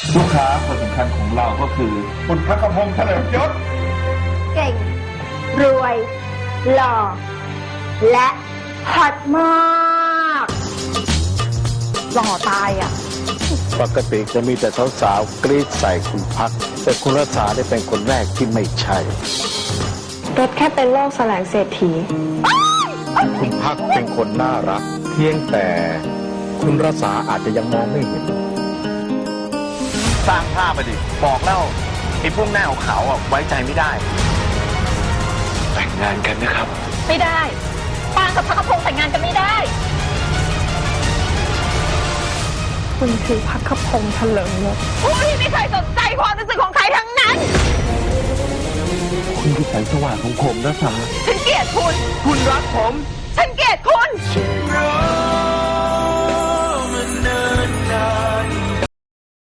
ลูกค้าคนสำคัญของเราก็คือคุณพักพงษ์เฉลิมยศเก่ง รวย หล่อ และฮอตมากหล่อตายอ่ะปกติจะมีแต่สาวๆกรี๊ดใส่คุณพัก แต่คุณรัษาได้เป็นคนแรกที่ไม่ใช่รถแค่เป็นโรคแสลงเศรษฐีคุณพักเป็นคนน่ารัก เพียงแต่คุณรัษาอาจจะยังมองไม่เห็นสร้างภาพไปดิ บอกแล้วไอ้พวกหน้าขาวๆอ่ะไว้ใจไม่ได้ แต่งงานกันนะครับไม่ได้ปางกับพักพงษ์แต่งงานกันไม่ได้คุณคือพักขพงษ์เฉลิมยศผู้ที่ไม่เคยสนใจความรู้สึกของใครทั้งนั้นคุณคือแสงสว่างของผมนะสาฉันเกลียดคุณคุณรักผมฉันเกลียดคุณรัก